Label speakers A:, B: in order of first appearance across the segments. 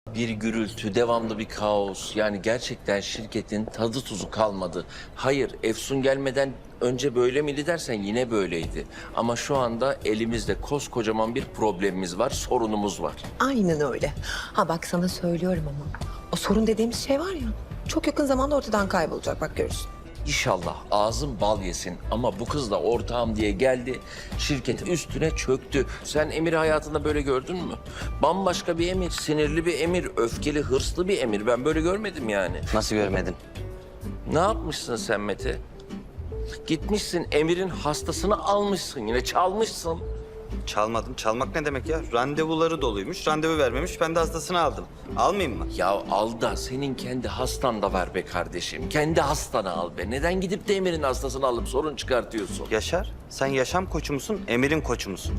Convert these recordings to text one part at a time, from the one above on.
A: Bir gürültü, devamlı bir kaos. Yani gerçekten şirketin tadı tuzu kalmadı. Hayır, Efsun gelmeden önce böyle miydi dersen yine böyleydi. Ama şu anda elimizde koskocaman bir problemimiz var, sorunumuz var.
B: Aynen öyle. Ha bak sana söylüyorum ama. O sorun dediğimiz şey var ya. Çok yakın zamanda ortadan kaybolacak bak görürsün.
A: İnşallah ağzım bal yesin ama bu kız da ortağım diye geldi, şirket üstüne çöktü. Sen Emir'i hayatında böyle gördün mü? Bambaşka bir Emir, sinirli bir Emir, öfkeli, hırslı bir Emir. Ben böyle görmedim yani.
C: Nasıl görmedin?
A: Ne yapmışsın sen Mete? Gitmişsin Emir'in hastasını almışsın, yine çalmışsın.
C: Çalmadım. Çalmak ne demek ya? Randevuları doluymuş, randevu vermemiş. Ben de hastasını aldım. Almayayım mı?
A: Ya al da senin kendi hastan da var be kardeşim. Kendi hastanı al be. Neden gidip de Emir'in hastasını alıp sorun çıkartıyorsun?
C: Yaşar, sen yaşam koçu musun, Emir'in koçu musun?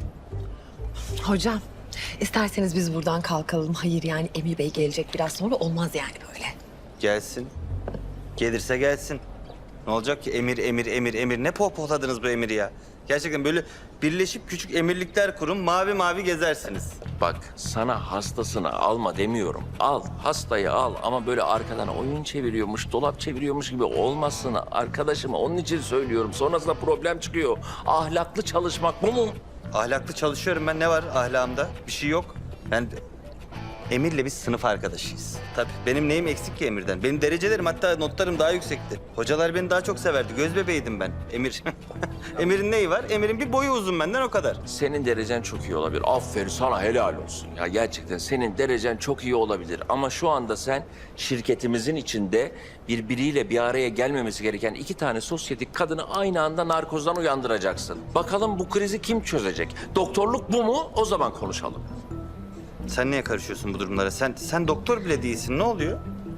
B: Hocam isterseniz biz buradan kalkalım. Hayır yani Emir Bey gelecek biraz sonra olmaz yani böyle.
C: Gelsin. Gelirse gelsin. Ne olacak ki Emir, Emir, Emir, Emir? Ne pohpohladınız bu Emir'i ya? Gerçekten böyle birleşip küçük emirlikler kurun, mavi mavi gezersiniz.
A: Bak sana hastasını alma demiyorum. Al hastayı al ama böyle arkadan oyun çeviriyormuş, dolap çeviriyormuş gibi olmasın arkadaşım. Onun için söylüyorum. Sonrasında problem çıkıyor. Ahlaklı çalışmak bu mu?
C: Ahlaklı çalışıyorum ben. Ne var ahlakımda? Bir şey yok. Ben Emir'le biz sınıf arkadaşıyız. Tabii benim neyim eksik ki Emir'den? Benim derecelerim hatta notlarım daha yüksekti. Hocalar beni daha çok severdi. Göz bebeğiydim ben. Emir. Emir'in neyi var? Emir'in bir boyu uzun benden o kadar.
A: Senin derecen çok iyi olabilir. Aferin sana helal olsun. Ya gerçekten senin derecen çok iyi olabilir. Ama şu anda sen şirketimizin içinde birbiriyle bir araya gelmemesi gereken iki tane sosyetik kadını aynı anda narkozdan uyandıracaksın. Bakalım bu krizi kim çözecek? Doktorluk bu mu? O zaman konuşalım.
C: Sen niye karışıyorsun bu durumlara? Sen doktor bile değilsin. Ne oluyor?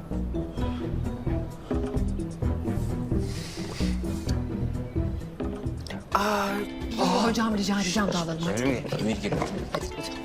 B: Hocam rica edeceğim dağılalım hadi.
A: Emir gel.
B: Hadi hocam.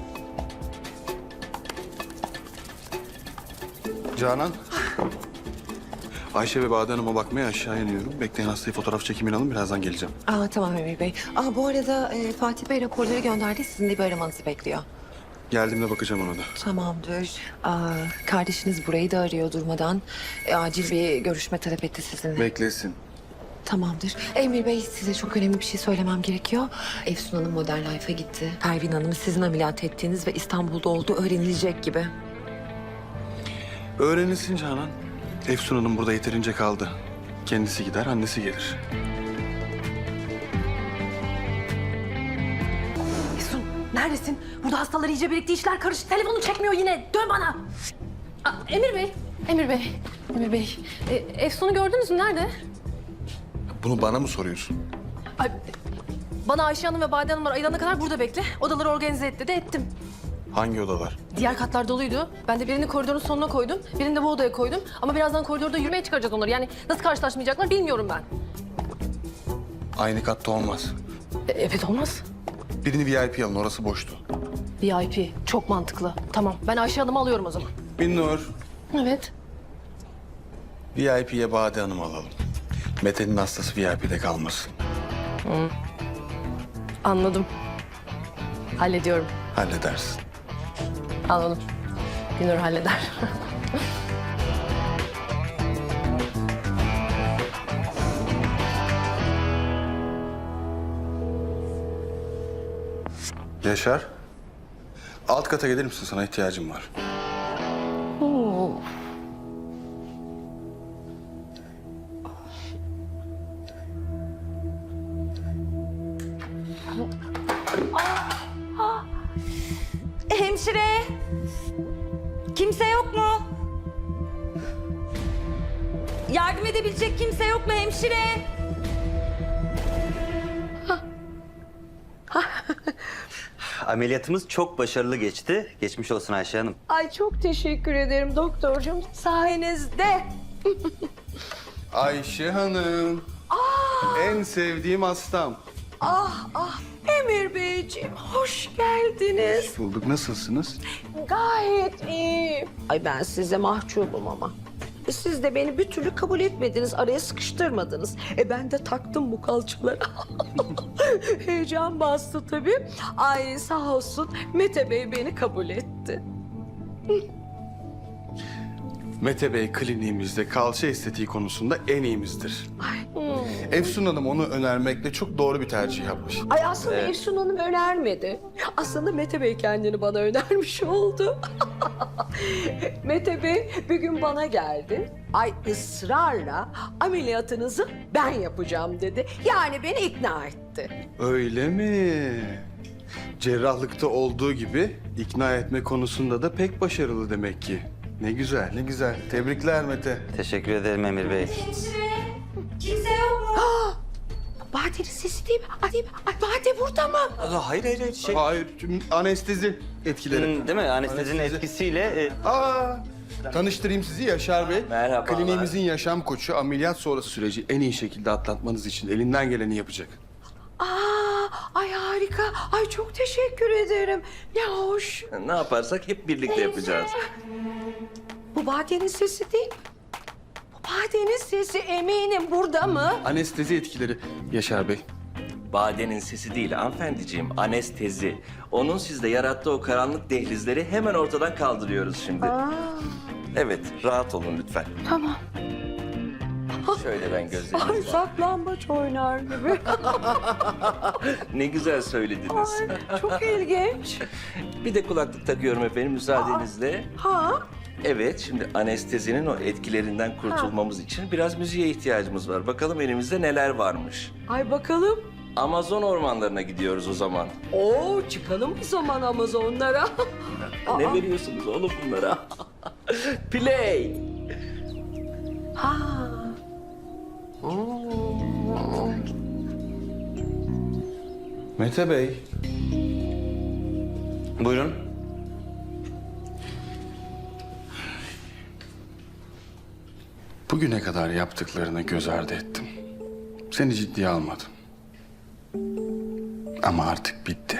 D: Canan. Ayşe ve Bade Hanım'a bakmaya aşağı iniyorum. Bekleyin hastayı fotoğraf çekimini alın. Birazdan geleceğim.
B: Tamam Emir Bey. Bu arada Fatih Bey raporları gönderdi. Sizin de bir aramanızı bekliyor.
D: Geldiğimde bakacağım ona da.
B: Tamamdır. Kardeşiniz burayı da arıyor durmadan. Acil bir görüşme talep etti sizinle.
D: Beklesin.
B: Tamamdır. Emir Bey size çok önemli bir şey söylemem gerekiyor. Efsun Hanım Modern Life'a gitti. Pervin Hanım'ı sizin ameliyat ettiğiniz ve İstanbul'da olduğu öğrenilecek gibi.
D: Öğrenilsin Canan. Efsun Hanım burada yeterince kaldı. Kendisi gider, annesi gelir.
E: Efsun neredesin? Burada hastalar iyice birikti, işler karıştı. Telefonu çekmiyor yine. Dön bana. Emir Bey, Emir Bey, Emir Bey. Efsun'u gördünüz mü? Nerede?
D: Bunu bana mı soruyorsun?
E: Ay, bana Ayşe Hanım ve Bade Hanımlar ayılana kadar burada bekle. Odaları organize et dedi, ettim.
D: Hangi odalar?
E: Diğer katlar doluydu. Ben de birini koridorun sonuna koydum, birini de bu odaya koydum. Ama birazdan koridorda yürümeye çıkaracağız onları. Yani nasıl karşılaşmayacaklar bilmiyorum ben.
D: Aynı katta olmaz.
E: Evet olmaz.
D: Birini VIP alın, orası boştu.
E: VIP, çok mantıklı. Tamam, ben Ayşe Hanım'ı alıyorum o zaman.
D: Binnur,
E: Evet.
D: VIP'ye Bade Hanım'ı alalım. Mete'nin hastası VIP'de kalmasın.
E: Anladım. Hallediyorum.
D: Halledersin.
E: Anladım. Günür halleder.
D: Yaşar. Alt kata gelir misin? Sana ihtiyacım var.
F: Hemşire! Kimse yok mu? Yardım edebilecek kimse yok mu hemşire?
C: Ameliyatımız çok başarılı geçti. Geçmiş olsun Ayşe Hanım.
F: Ay çok teşekkür ederim doktorcum. Sayenizde.
D: Ayşe Hanım. En sevdiğim hastam.
F: Emir Beyciğim hoş geldiniz.
D: Bulduk. Nasılsınız?
F: Gayet iyi. Ay ben size mahcubum ama. Siz de beni bir türlü kabul etmediniz, araya sıkıştırmadınız. Ben de taktım bu kalçalara. Heyecan bastı tabii. Ay sağ olsun Mete Bey beni kabul etti.
D: Mete Bey kliniğimizde kalça estetiği konusunda en iyimizdir. Efsun Hanım onu önermekle çok doğru bir tercih yapmış.
F: Ay aslında Efsun Hanım önermedi. Aslında Mete Bey kendini bana önermiş oldu. Mete Bey bir gün bana geldi. Ay ısrarla ameliyatınızı ben yapacağım dedi. Yani beni ikna etti.
D: Öyle mi? Cerrahlıkta olduğu gibi ikna etme konusunda da pek başarılı demek ki. Ne güzel, ne güzel. Tebrikler Mete.
C: Teşekkür ederim Emir Bey.
F: Bade'nin sesi değil mi? Ay, değil mi? Ay Bade burada mı?
C: Hayır şey.
D: Hayır, anestezi etkileri.
C: Değil mi? Anestezinin
D: Anestezi.
C: etkisiyle
D: Tanıştırayım sizi Yaşar Bey.
A: Merhabalar.
D: Kliniğimizin yaşam koçu, ameliyat sonrası süreci en iyi şekilde atlatmanız için elinden geleni yapacak.
F: Ay harika. Ay çok teşekkür ederim. Ne hoş.
A: Ne yaparsak hep birlikte yapacağız.
F: Bu Bade'nin sesi değil mi? Bu Bade'nin sesi eminim burada mı?
D: Anestezi etkileri Yaşar Bey.
A: Badenin sesi değil hanımefendiciğim, anestezi. Onun sizde yarattığı o karanlık dehlizleri hemen ortadan kaldırıyoruz şimdi. Evet, rahat olun lütfen.
F: Tamam.
A: Şöyle ben
F: Ay
A: gözlerimi...
F: saklambaç oynar gibi.
A: Ne güzel söylediniz.
F: Ay çok ilginç.
A: Bir de kulaklık takıyorum efendim müsaadenizle.
F: Ha?
A: Evet, şimdi anestezinin o etkilerinden kurtulmamız için biraz müziğe ihtiyacımız var. Bakalım elimizde neler varmış.
F: Ay bakalım.
A: Amazon ormanlarına gidiyoruz o zaman.
F: Oo çıkalım o zaman Amazonlara.
A: Ne veriyorsunuz oğlum bunlara? Play!
F: Ha.
D: Mete Bey.
C: buyurun.
D: Bugüne kadar yaptıklarını göz ardı ettim. Seni ciddiye almadım. Ama artık bitti.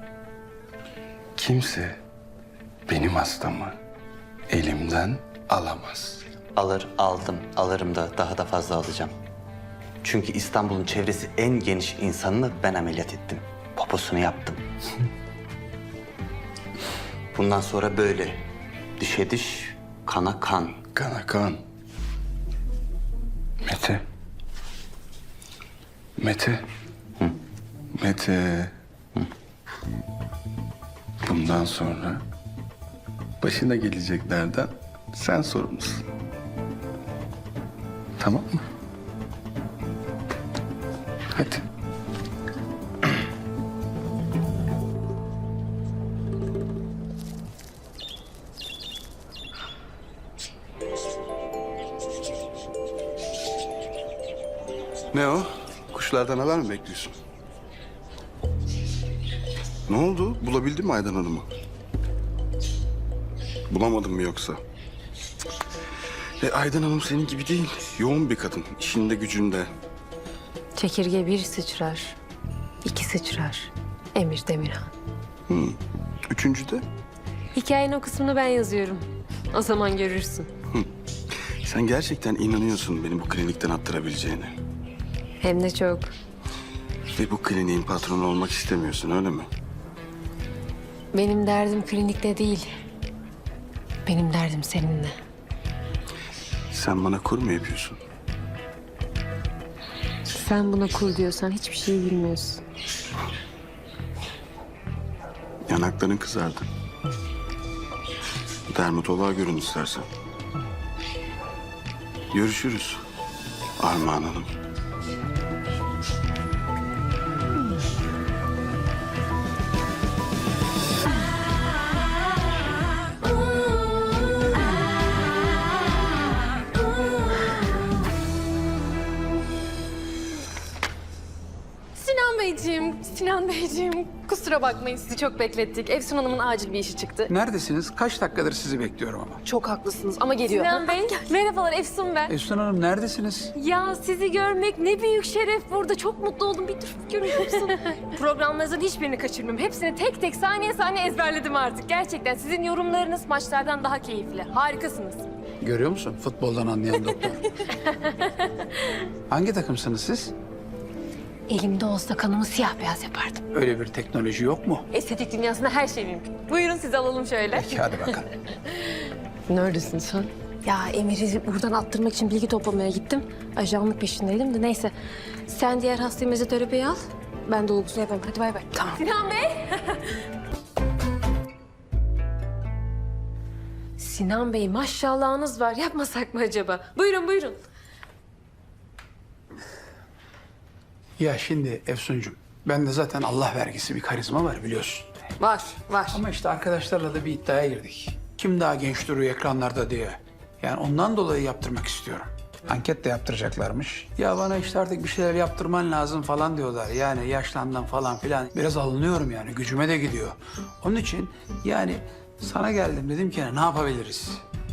D: Kimse benim hastamı elimden alamaz.
C: Alırım da daha da fazla alacağım. Çünkü İstanbul'un çevresi en geniş insanını ben ameliyat ettim. Poposunu yaptım. Bundan sonra böyle. Dişe diş, kana kan.
D: Kana kan. Mete. Mete. Mete. Bundan sonra başına geleceklerden sen sorumlusun. Tamam mı? Hadi. Ne o? Kuşlardan haber mi bekliyorsun? Ne oldu? Bulabildin mi Aydan Hanım'ı? Bulamadın mı yoksa? Aydan Hanım senin gibi değil. Yoğun bir kadın. İşinde gücünde.
E: Çekirge bir sıçrar, iki sıçrar. Emir Demirhan.
D: Üçüncü de
E: Hikayenin o kısmını ben yazıyorum. O zaman görürsün.
D: sen gerçekten inanıyorsun beni bu klinikten attırabileceğine.
E: Hem de çok.
D: Ve bu kliniğin patronu olmak istemiyorsun öyle mi?
E: Benim derdim klinikte değil. Benim derdim seninle.
D: Sen bana kur mu yapıyorsun?
E: Sen buna kul diyorsan hiçbir şey bilmiyorsun.
D: Yanakların kızardı. Dermatoloğa görün istersen. Görüşürüz Armağan Hanım.
E: Sinan Beyciğim kusura bakmayın sizi çok beklettik. Efsun Hanım'ın acil bir işi çıktı.
G: Neredesiniz? Kaç dakikadır sizi bekliyorum ama.
E: Çok haklısınız ama geliyor. Sinan Bey, merhabalar Efsun ben.
G: Efsun Hanım neredesiniz?
E: Ya sizi görmek ne büyük şeref burada. Çok mutlu oldum. Bir dur görüyor musun? Programlarınızın hiçbirini kaçırmıyorum. Hepsini tek tek saniye saniye ezberledim artık. Gerçekten sizin yorumlarınız maçlardan daha keyifli. Harikasınız.
G: Görüyor musun? Futboldan anlayan doktor. Hangi takımsınız siz?
E: Elimde olsa kanımı siyah beyaz yapardım.
G: Öyle bir teknoloji yok mu?
E: Estetik dünyasında her şey mümkün. Buyurun sizi alalım şöyle.
G: Peki hadi bakalım.
E: Neredesin sen? Ya Emir'i buradan attırmak için bilgi toplamaya gittim. Ajanlık peşindeydim de neyse. Sen diğer hastayı mezoterapiye al. Ben dolgusunu yapayım. Hadi bay bay. Tamam. Sinan Bey. Sinan Bey maşallahınız var. Yapmasak mı acaba? Buyurun buyurun.
G: Ya şimdi Efsuncuğum, bende zaten Allah vergisi bir karizma var biliyorsun.
E: Var var.
G: Ama işte arkadaşlarla da bir iddiaya girdik. Kim daha genç duruyor ekranlarda diye. Yani ondan dolayı yaptırmak istiyorum. Anket de yaptıracaklarmış. Ya bana işte artık bir şeyler yaptırman lazım falan diyorlar. Yani yaşlandım falan filan. Biraz alınıyorum yani. Gücüme de gidiyor. Onun için yani sana geldim dedim ki ne yapabiliriz?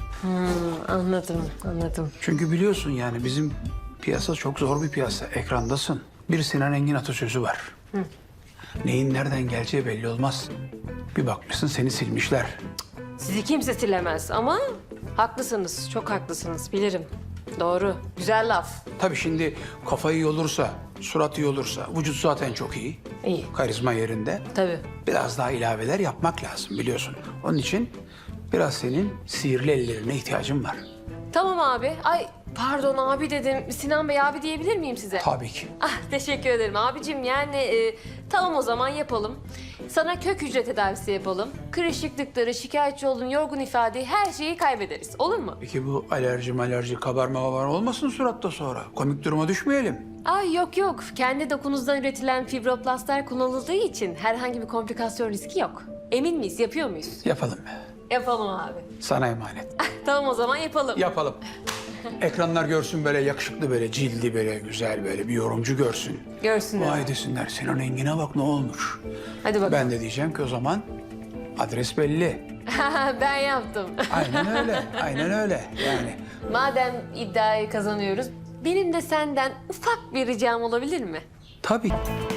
E: Anladım.
G: Çünkü biliyorsun yani bizim piyasa çok zor bir piyasa. Ekrandasın. Bir Sinan Engin atasözü var. Neyin nereden geleceği belli olmaz. Bir bakmışsın seni silmişler.
E: Sizi kimse silemez ama haklısınız. Çok haklısınız. Bilirim. Doğru. Güzel laf.
G: Tabii şimdi kafayı iyi olursa, surat iyi olursa, vücut zaten çok iyi.
E: İyi.
G: Karizma yerinde.
E: Tabii.
G: Biraz daha ilaveler yapmak lazım biliyorsun. Onun için biraz senin sihirli ellerine ihtiyacım var.
E: Tamam abi. Ay pardon abi dedim. Sinan Bey abi diyebilir miyim size?
G: Tabii ki.
E: Ah teşekkür ederim abicim. Yani tamam o zaman yapalım. Sana kök hücre tedavisi yapalım. Kırışıklıkları, şikayetçi olduğun yorgun ifadeyi her şeyi kaybederiz. Olur mu?
G: Peki bu alerji, kabarma olmasın suratta sonra? Komik duruma düşmeyelim.
E: Ay yok. Kendi dokunuzdan üretilen fibroplastlar kullanıldığı için herhangi bir komplikasyon riski yok. Emin miyiz? Yapıyor muyuz?
G: Yapalım.
E: Yapalım abi.
G: Sana emanet.
E: Tamam o zaman yapalım.
G: Yapalım. Ekranlar görsün böyle yakışıklı böyle cildi böyle güzel böyle bir yorumcu görsün.
E: Görsünler.
G: Vay desinler Sinan Engin'e bak ne olmuş.
E: Hadi bakalım.
G: Ben de diyeceğim ki o zaman adres belli.
E: Ben yaptım.
G: Aynen öyle. Aynen öyle. Yani
E: Madem iddiayı kazanıyoruz, benim de senden ufak bir ricam olabilir mi?
G: tabii.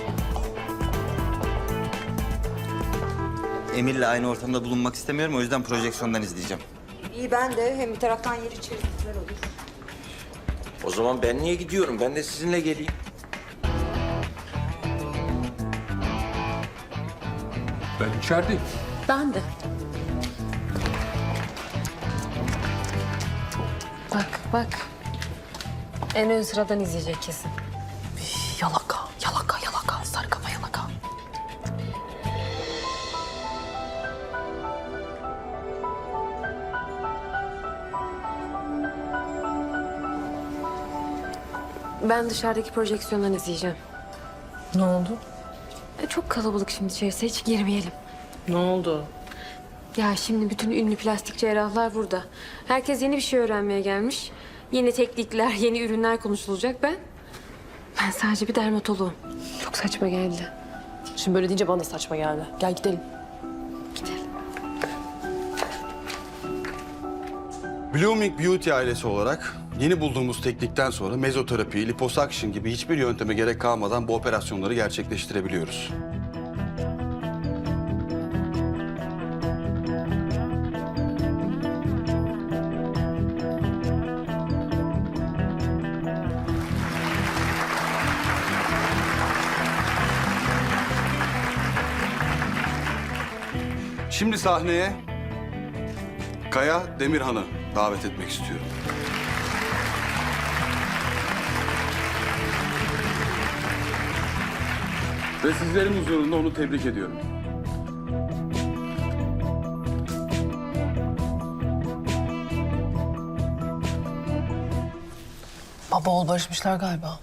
C: Emir'le aynı ortamda bulunmak istemiyorum. O yüzden projeksiyondan izleyeceğim.
F: İyi ben de hem bir taraftan yer içeriz güzel olur.
A: O zaman ben niye gidiyorum? Ben de sizinle geleyim.
G: Ben içerideyim.
E: Ben de. Bak. En ön sıradan izleyecek kesin.
B: Yalaka, sarı kafa yalaka.
E: Ben dışarıdaki projeksiyondan izleyeceğim.
B: Ne oldu?
E: Çok kalabalık şimdi içerisi, hiç girmeyelim.
B: Ne oldu?
E: Ya şimdi bütün ünlü plastik cerrahlar burada. Herkes yeni bir şey öğrenmeye gelmiş. Yeni teknikler, yeni ürünler konuşulacak. Ben sadece bir dermatoloğum. Çok saçma geldi.
B: Şimdi böyle deyince bana da saçma geldi. Gel gidelim.
E: Gidelim.
D: Blooming Beauty ailesi olarak yeni bulduğumuz teknikten sonra mezoterapi, liposuction gibi hiçbir yönteme gerek kalmadan bu operasyonları gerçekleştirebiliyoruz. Şimdi sahneye Kaya Demirhan'ı davet etmek istiyorum. Ve sizlerin huzurunda onu tebrik ediyorum.
B: Baba oğul barışmışlar galiba.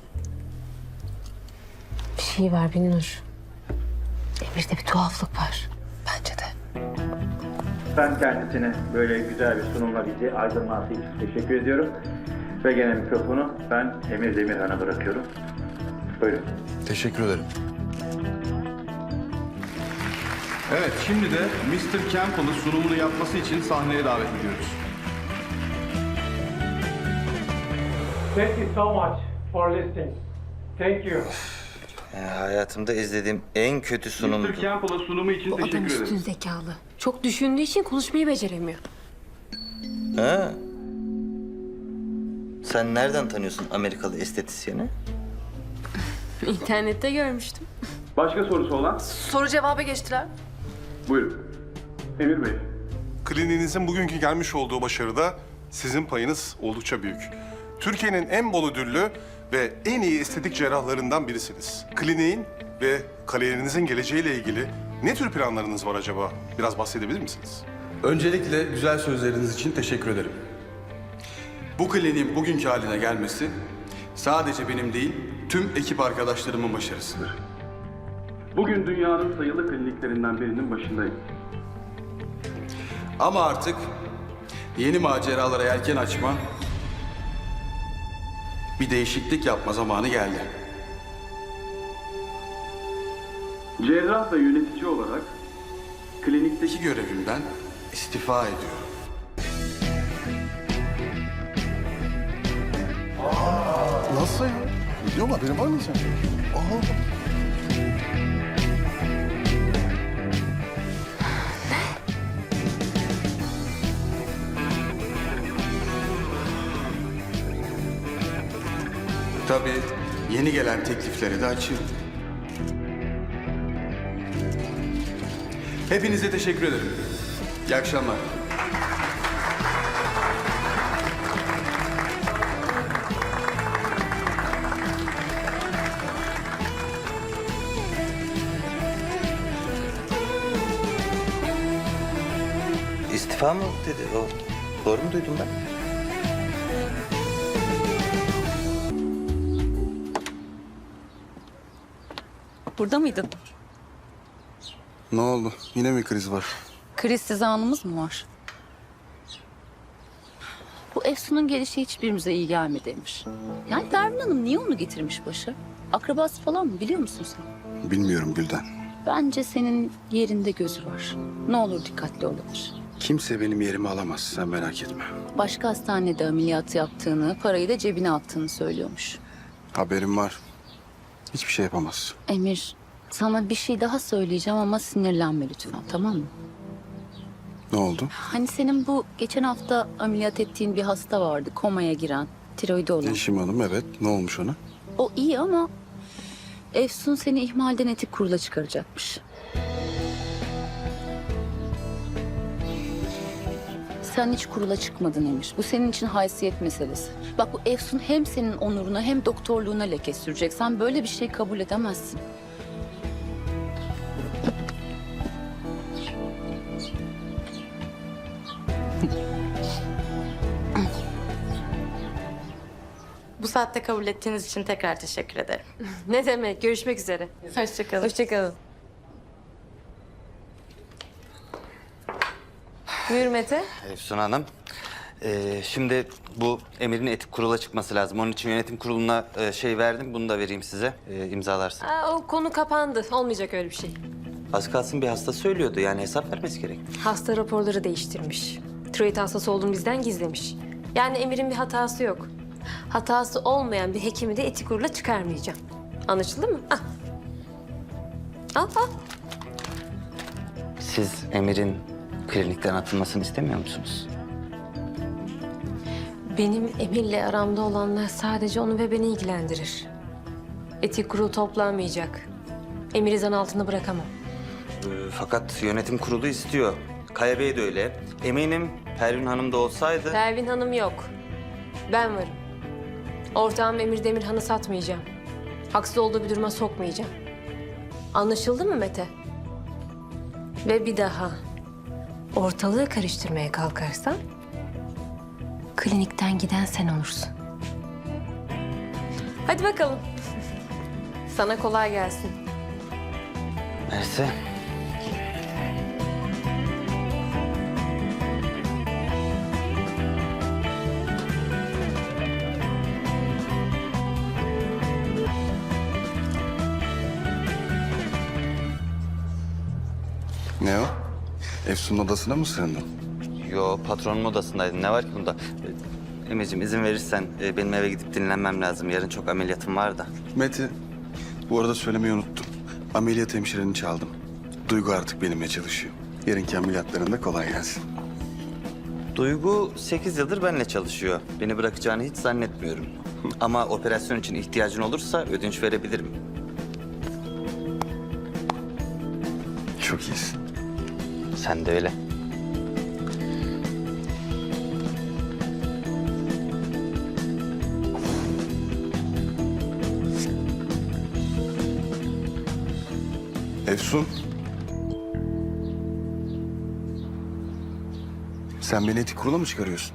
E: Bir şey var Binnur. Emir'de bir tuhaflık var.
B: Bence de.
H: Ben kendisine böyle güzel bir sunumla bizi aydınlattığı için teşekkür ediyorum. Ve gene mikrofonu ben Emir Demirhan'a bırakıyorum. Buyurun.
D: Teşekkür ederim. Evet, şimdi de Mr. Campbell'ı sunumunu yapması için sahneye davet ediyoruz.
I: Thank you so much for listening. Thank you.
C: Hayatımda izlediğim en kötü sunumdu.
D: Mr. Campbell'a sunumu için
E: Bu adam
D: teşekkür
E: üstün
D: ederim.
E: zekalı. Çok düşündüğü için konuşmayı beceremiyor.
C: Ha? Sen nereden tanıyorsun Amerikalı estetisyeni?
E: İnternette görmüştüm.
D: Başka sorusu olan?
B: Soru cevaba geçtiler.
D: Buyurun. Emir Bey.
J: Kliniğinizin bugünkü gelmiş olduğu başarıda sizin payınız oldukça büyük. Türkiye'nin en bol ödüllü ve en iyi estetik cerrahlarından birisiniz. Kliniğin ve kariyerinizin geleceğiyle ilgili ne tür planlarınız var acaba? Biraz bahsedebilir misiniz?
D: Öncelikle güzel sözleriniz için teşekkür ederim. Bu kliniğin bugünkü haline gelmesi sadece benim değil, tüm ekip arkadaşlarımın başarısıdır. Bugün dünyanın sayılı kliniklerinden birinin başındayım. Ama artık yeni maceralara yelken açma, bir değişiklik yapma zamanı geldi. Cerrah ve yönetici olarak klinikteki görevimden istifa ediyorum.
J: Nasıl ya? Biliyor mu? Haberin var mı sen?
D: Tabii yeni gelen teklifleri de açıyorum. Hepinize teşekkür ederim. İyi akşamlar.
C: İstifa mı dedi o? Doğru mu duydum ben?
K: Burada mıydın?
D: Ne oldu? Yine mi kriz var?
K: Krizsiz anımız mı var? Bu Efsun'un gelişi hiçbirimize iyi gelmedi Emir. Yani Pervin Hanım niye onu getirmiş başa? Akrabası falan mı biliyor musun sen?
D: Bilmiyorum Gülden.
K: Bence senin yerinde gözü var. Ne olur dikkatli olabilir.
D: Kimse benim yerimi alamaz, sen merak etme.
K: Başka hastanede ameliyat yaptığını, parayı da cebine attığını söylüyormuş.
D: Haberim var. Hiçbir şey yapamaz.
K: Emir, sana bir şey daha söyleyeceğim ama sinirlenme lütfen, tamam mı?
D: Ne oldu?
K: Hani senin bu geçen hafta ameliyat ettiğin bir hasta vardı, komaya giren, tiroidi olan.
D: Yeşim Hanım, evet. Ne olmuş ona?
K: O iyi ama Efsun seni ihmalden etik kurula çıkaracakmış. Sen hiç kurula çıkmadın Emir. Bu senin için haysiyet meselesi. Bak bu Efsun hem senin onuruna hem doktorluğuna leke sürecek. Sen böyle bir şey kabul edemezsin.
L: Bu saatte kabul ettiğiniz için tekrar teşekkür ederim.
E: Ne demek? Görüşmek üzere.
L: Hoşçakalın.
E: Hoşçakalın. Buyur Mete.
C: Efsun Hanım. Şimdi bu Emir'in etik kurula çıkması lazım. Onun için yönetim kuruluna şey verdim. Bunu da vereyim size. İmzalarsın.
E: O konu kapandı. Olmayacak öyle bir şey.
C: Az kalsın bir hasta söylüyordu. Yani hesap vermesi gerek.
E: Hasta raporları değiştirmiş. Tiroid hastası olduğunu bizden gizlemiş. Yani Emir'in bir hatası yok. Hatası olmayan bir hekimi de etik kurula çıkarmayacağım. Anlaşıldı mı? Ah. Al.
C: Siz Emir'in klinikten atılmasını istemiyor musunuz?
E: Benim Emir'le aramda olanlar sadece onu ve beni ilgilendirir. Etik kurul toplanmayacak. Emir'i zan altında bırakamam.
C: Fakat yönetim kurulu istiyor. Kaya Bey de öyle. Eminim Pervin Hanım da olsaydı...
E: Pervin Hanım yok. Ben varım. Ortağım Emir Demirhan'ı satmayacağım. Haksız olduğu bir duruma sokmayacağım. Anlaşıldı mı Mete? Ve bir daha ortalığı karıştırmaya kalkarsan klinikten giden sen olursun. Hadi bakalım. Sana kolay gelsin.
C: Neyse.
D: Ne o? Efsun'un odasına mı sığındın?
C: Yo, patronun odasındaydım. Ne var ki bunda? Emir'ciğim izin verirsen benim eve gidip dinlenmem lazım. Yarın çok ameliyatım var da.
D: Mete, bu arada söylemeyi unuttum. Ameliyat hemşireni çaldım. Duygu artık benimle çalışıyor. Yarınki ameliyatlarında kolay gelsin.
C: Duygu 8 yıldır benimle çalışıyor. Beni bırakacağını hiç zannetmiyorum. Ama operasyon için ihtiyacın olursa ödünç verebilirim.
D: Çok iyisin.
C: Sen de öyle.
D: Efsun. Sen beni etik kurula mı çıkarıyorsun?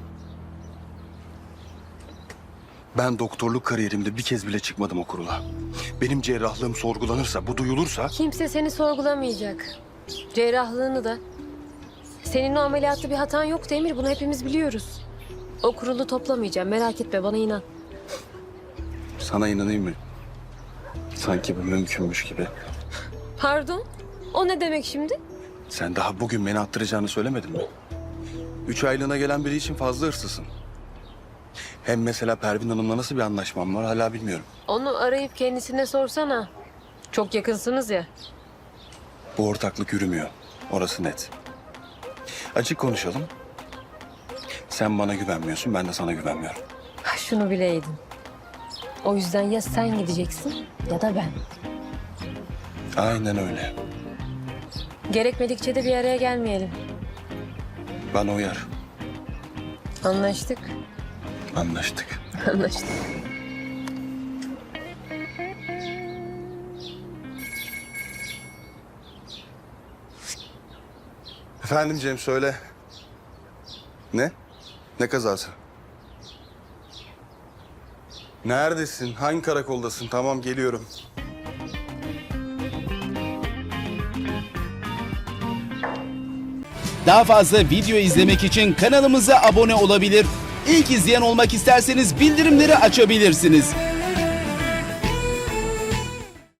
D: Ben doktorluk kariyerimde bir kez bile çıkmadım o kurula. Benim cerrahlığım sorgulanırsa, bu duyulursa...
E: Kimse seni sorgulamayacak. Cerrahlığını da. Senin o ameliyatta bir hatan yok Emir. Bunu hepimiz biliyoruz. O kurulu toplamayacağım. Merak etme, bana inan.
D: Sana inanayım mı? Sanki bu mümkünmüş gibi.
E: Pardon? O ne demek şimdi?
D: Sen daha bugün beni attıracağını söylemedin mi? 3 aylığına gelen biri için fazla hırsızsın. Hem mesela Pervin Hanım'la nasıl bir anlaşmam var hala bilmiyorum.
E: Onu arayıp kendisine sorsana. Çok yakınsınız ya.
D: Bu ortaklık yürümüyor. Orası net. Açık konuşalım. Sen bana güvenmiyorsun, ben de sana güvenmiyorum.
E: Şunu bileydin. O yüzden ya sen gideceksin ya da ben.
D: Aynen öyle.
E: Gerekmedikçe de bir araya gelmeyelim.
D: Bana uyar.
E: Anlaştık.
D: Anlaştık.
E: Anlaştık.
D: Efendim Cem söyle. Ne? Ne kazası? Neredesin? Hangi karakoldasın? Tamam geliyorum.
M: Daha fazla video izlemek için kanalımıza abone olabilir. İlk izleyen olmak isterseniz bildirimleri açabilirsiniz.